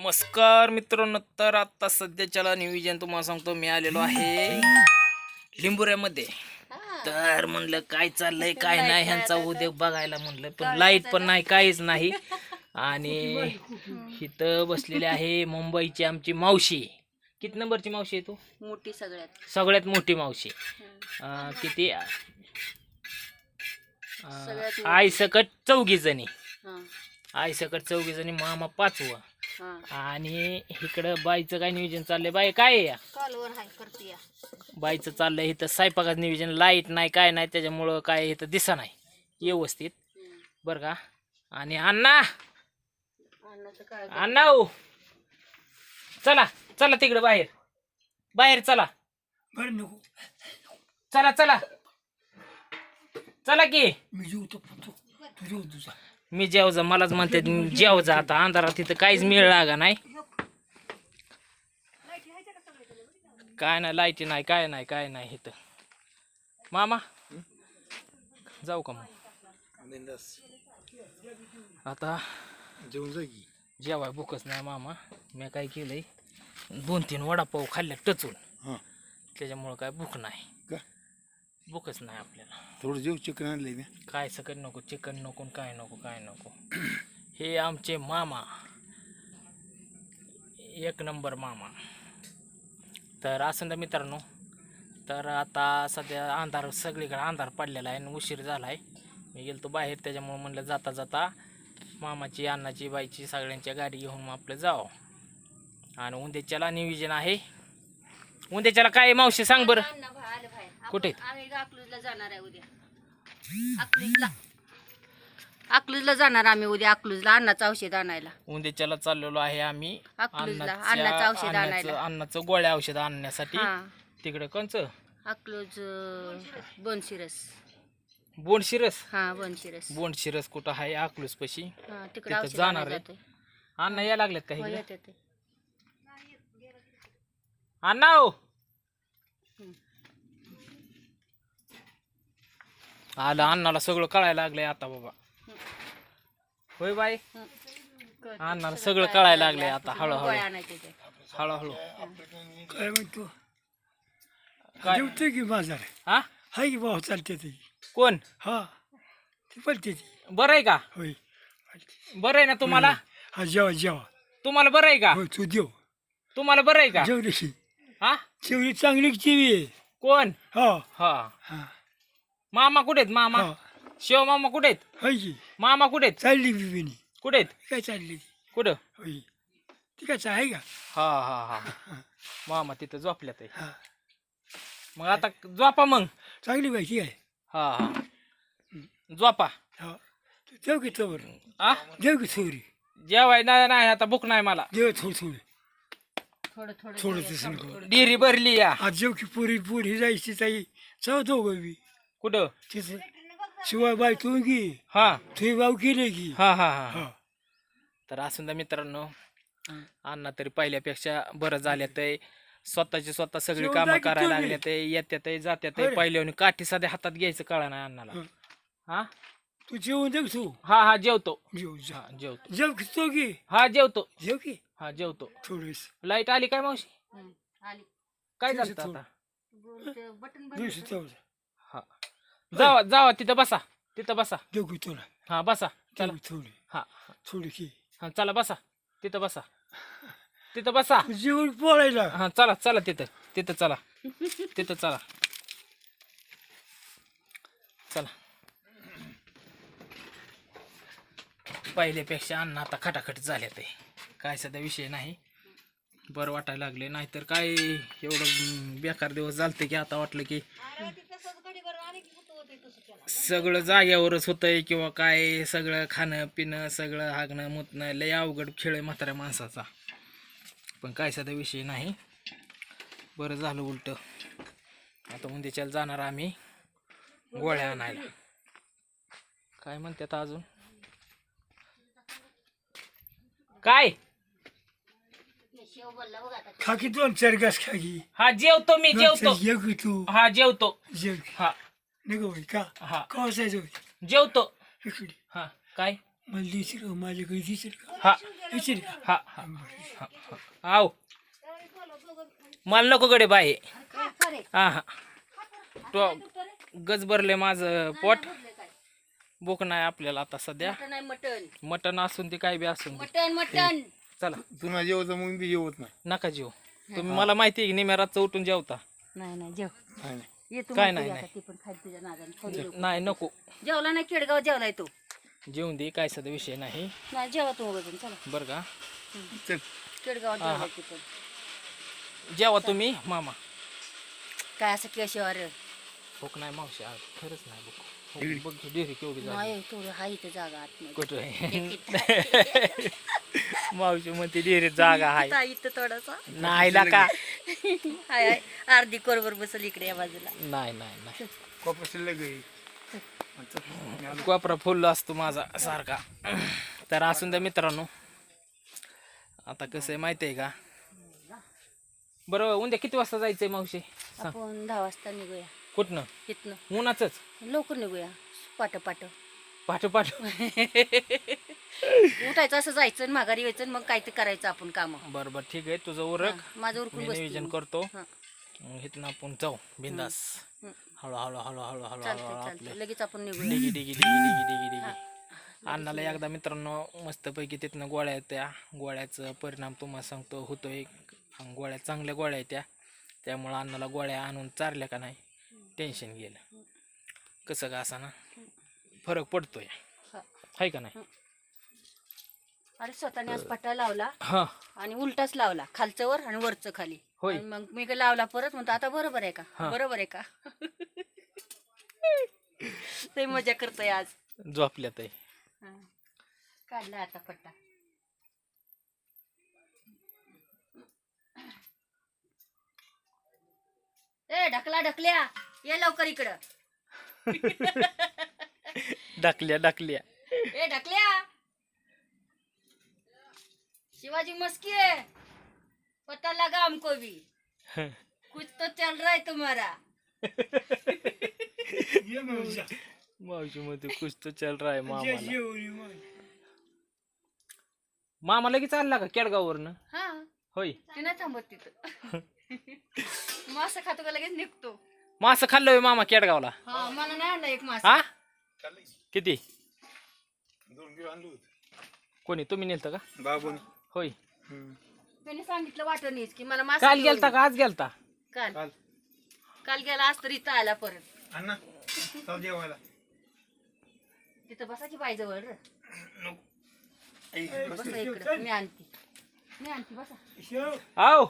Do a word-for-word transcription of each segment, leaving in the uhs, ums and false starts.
नमस्कार मित्रांनो, तर आता सध्याच्याला नियोजन तुम्हाला सांगतो. मी आलेलो आहे लिंबुऱ्यामध्ये. तर म्हणलं काय चाललंय काय नाही ह्यांचा उद्योग बघायला म्हणलं, पण लाईट पण नाही काहीच नाही. आणि इथं बसलेली आहे मुंबईची आमची मावशी. किती नंबरची मावशी आहे तू? मोठी सगळ्यात सगळ्यात मोठी मावशी. अं, किती आई सकट चौघी जणी आई सकट चौघी जणी मामा पाचवा. आणि इकडं बाईचं काय नियोजन चाललंय? बाई काय या बाईचं चाललंय इथं स्वयंपाकाचं नियोजन. लाईट नाही काय नाही त्याच्यामुळं काय इथं दिसा नाही व्यवस्थित बरं का. आणि अण्णा अण्णा हो चला चला तिकडं बाहेर बाहेर चला चला चला चला की. मी जेवतो तुझ्या तुझा मी जेव जा मलाच म्हणते जेव जा. आता अंधारात तिथं काहीच मिळ लागा नाही काय नाही लाईटी नाही काय नाही काय नाही इथं. मामा जाऊ का मग? आता जेवण जागी जेवाय भूकच नाही मामा. मी काय केलंय दोन तीन वडापाव खाल्ल्या टचून त्याच्यामुळं काय भूक नाही का भूकच नाही आपल्याला. थोडं जेव चिकन आणलंय मी. काय सकट नको चिकन नको काय नको काय नको. हे आमचे मामा एक नंबर मामा. तर असं ना मित्रांनो, तर आता सध्या अंधार सगळीकडे अंधार पडलेला आहे आणि उशीर झाला आहे. मी गेलो बाहेर त्याच्यामुळे म्हणलं जाता जाता मामाची अण्णाची बाईची सगळ्यांच्या गाडी घेऊन मग आपलं जावं. आणि उद्याच्याला नियोजन आहे. उद्याच्याला काय मावशी सांग बरं कुठे? आम्ही अकलूजला जाणार आहे उद्या. अकलूजला अकलूजला जाणार आम्ही उद्या. अकलूजला अन्नाचं औषध आणायला उद्याच्याला चाललेलो आहे आम्ही अकलूजला अन्नाचं औषध आणायला. अन्नाचं गोळ्या औषध आणण्यासाठी तिकडे कोणचं अकलूज बनशिरस बोंडशिरस. हा बनशिरस बोंडशिरस कुठं आहे? अकलूज पशी तिकडे जाणार आहे. अण्णा या लागलेत का इकडे? अण्णा हो आलं अण्णाला सगळं कळायला लागलंय आता बाबा. होय बाई अण्णाला सगळं कळायला लागलंय आता हळूहळू हळूहळू. काय म्हणतो? जेवतोय की बाजार हा हाय की भाव चालते ती. कोण? हा ती पलते ती. बरं आहे का? होय बरं आहे ना तुम्हाला? हा जेवा जेवा. तुम्हाला बरं आहे का? होय तू देव तुम्हाला बरं आहे का? जेवलीशी हा जेवली चांगली जेवी आहे. कोण? हा हा हा मामा कुठे आहेत? मामा हा शिव मामा कुठे आहेत? हाय की मामा कुठे आहेत? चालली बिबिनी कुठे आहेत? काय चालली ती? कुठं? होय ती काय आहे का? हा हा हा मामा तिथं झोपल्यात आहे. हा मग आता झोपा मग. चांगली पाहिजे आहे. हा हा झोपा. हा तू देव की चवर आ देव की चोरी जेवाय नाही नाही आता भूक नाही मला. देव थोडी थोडी थोडं थोडं थोडं तसं नको. डिरी भरली या. आज जेव की पुरी पुरी जायची ताई चौथो बी कुठं? तिथे शिवाय बाय तू की हा तुझी भाऊ केले की हा हा हा हा तर असून द्या मित्रांनो, अण्णा तरी पहिल्यापेक्षा बरं झाले ते. स्वतःची स्वतः सगळी जेवण कामं जागी करायला तुम्ही. लागले ते. येत्यात जात्यात बरं. पहिल्यावर काठी साध्या हातात घ्यायचं कळा नाही अण्णाला. हं. हा तू जेवून देव तू हा हा जेवतो. जेव जा हा जेवतो. जेव की तो की हा जेवतो. जेव की हा जेवतो. थोडीस लाईट आली काय मावशी? आली काय थोडंसं झालं आता? बटन दिवशी चौदा हा जावा जावा तिथं बसा तिथं बसा. देव की तुला हा बसा चला. देव थोडी हा थोडी की हा चला बसा तिथं बसा तिथं बसा. तू जेवण पोळायला हा चला चला तिथं तिथं चला तिथं चला चला. पहिल्यापेक्षा अन्न आता खटाखट झाले ते. काय सध्या विषय नाही. बरं वाटायला लागले. नाहीतर काय एवढं बेकार दिवस झालते की आता वाटलं की सगळं जाग्यावरच होतंय किंवा काय. सगळं खाणं पिणं सगळं हागणं मुतणं लय अवघड खेळ आहे म्हाताऱ्या माणसाचा. पण काय सध्या विषय नाही. बरं झालं उलट. आता उद्याच्याला जाणार आम्ही गोळ्या आणायला. काय म्हणतात अजून काय? खा की दोन चार घास खा की. हा जेवतो मी जेवतो. जेव की तू हा जेवतो. जेव की हा नको बाई का हा कवा जायचं जेवतो. इकडे हा काय मला देशील का माझ्याकडे देशील का हा देशील का हा हा हा हा. आव मला नको गडे बाय काय खरे हा हा तो गज भरले माझं पोट भूक नाही आपल्याला आता सध्या मटण आहे मटण मटण असून ते काय बी असून दे. मटण मटण चला तुला जेवत मग बी जेवत नाही नका जेव तुम्ही मला माहिती आहे की निम्या रातचं उठून जेवता नाही नाही जेव नाही, नाही. ये तू काय म्हणते नाही, आता ती पण खाली तुझ्या नादाने खाली लोक. नाही नको जेवला नाही केडगाव जेवलाय तू जेवून दे काय सध्या विषय नाही नाही जेवा तू वजन चला बरं का चल केडगावात जेवलाय ती पण जेवा तुम्ही मामा काय असं केशवर भूक नाही मावशी आज खरंच नाही भूक हो, बघ की डेअरी केवढी झाली नाही थोडं हा इथं जागा आतमध्ये कुठं आहे? मावशी म्हणते डेअरीत जागा आहे इथं- इथं थोडासा नाही ना का हाय हाय अर्धी कोरभर बसल इकडे या बाजूला नाही नाही नाही कॉपर शिल्लक आहे. कोपरा फुल असतो माझा सारखा तर असून द्या मित्रांनो आता कसं आहे माहिती आहे का बरं उद्या किती वाजता जायचंय मावशी सांग आपण दहा वाजता निघूया कुठनं इथनं उन्हाचंच लवकर निघूया पाट पाट पाठ पाठ उठायचं असं जायचं आणि माघारी यायचं आणि मग काय ते करायचं आपण काम बरं बरं ठीक आहे तुझं उरक माझं उरकून मी बसते नियोजन मी. करतो हा. मग इथनं आपण जाऊ बिंदास हं. हळू हळू हळू हळू हळू चालतंय हळू चालतंय आपले लगेच आपण निघूया डिगी डिगी डिगी डिगी डिगी डिगी अन्नाला एकदा मित्रांनो मस्तपैकी तिथनं गोळ्या आहेत त्या गोळ्याचं परिणाम तुम्हाला सांगतो होतोय गोळ्या चांगल्या गोळ्या आहेत त्या त्यामुळं अन्नाला गोळ्या आणून चारल्या का नाही टेन्शन गेलं कसं का असा ना फरक पडतोय हा. आहे का नाही अरे स्वतःने आज पट्टा लावला हां आणि उलटाच लावला खालचं वर आणि वरचं खाली होय. आणि मग मी काय लावला परत म्हणतो आता बरोबर आहे का हा. बरोबर आहे का ते मजा करतोय आज झोपल्यात आहे हा. काढला आता पट्टा ए ढकला ढकल्या ये लवकर इकडं डाकल्या डाकल्या ए ढकल्या शिवाजी मस्की है पता लगा हमको भी कुछ तो चल रहा है तुम्हारा ये मावशा. मावशी मध्ये कुछ तो चल रहा है जे मामाला जेवली मग. मामा लगेच आला का केडगाववरनं हा होय ते नाही थांबत तिथं मासा खातो का लगेच निघतो मासं खाल्लं मामा केडगावला हा मला नाही आणला एक मासा हा किती दोन किलो आणलं होतं कोणी तुम्ही नेलतं का बाबून होय त्याने सांगितलं वाटणीच की मला मासा काल घेऊन गेलता ये. का आज गेलता काल काल काल गेला आज तर इथं आला परत अण्णा चाल जेवायला तिथं बसा की बाई जवळ रे. आई, बस. बसा इकडं मी आणते मी आणते बसा शेव. आव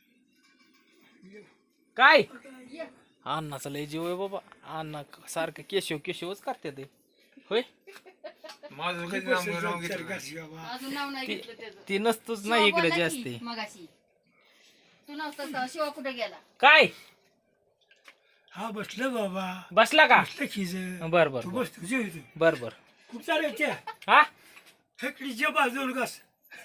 काय ये. अण्णाचा लय जीव आहे बाबा अण्णा सारखं केशव केशवच करते ते होय माझं कधी नाव नाव चार घेतलं घास बाबा. अजून नाव नाही ती घेतलं त्याचं ती नसतोच ना शिवा इकडे बोलला जास्त की मगाशी तू नव्हतास तेव्हा शिवा कुठे गेला काय हा बसलं बाबा बसला का बसलं खिज बर बर तू बस तुझे इथं. बर बर कुठं चालायच्या हा हेकडीच्या बाजूला कस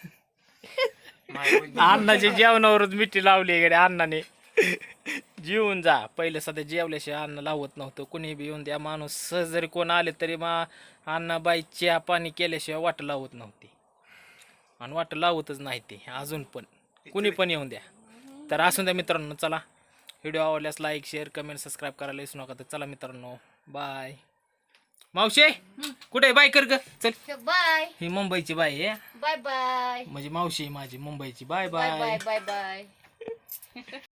अण्णाच्या जेवणावरच मिठी लावली इकडे अण्णाने जेवून जा पहिले सध्या जेवल्याशिवाय अन्न लावत नव्हतं कुणी बी येऊन द्या माणूस सहज जरी कोण आले तरी मा अण्णाबाई चहा पाणी केल्याशिवाय वाट लावत नव्हती आणि वाट लावतच नाही ते अजून पण कुणी पण येऊन द्या तर असून द्या मित्रांनो चला व्हिडिओ आवडल्यास लाईक शेअर कमेंट सबस्क्राईब करायला विसरू नका तर चला मित्रांनो बाय मावशे कुठे बाय कर ग चल बाय ही मुंबईची बाय आहे बाय बाय म्हणजे मावशी आहे माझी मुंबईची bye bye bye bye bye bye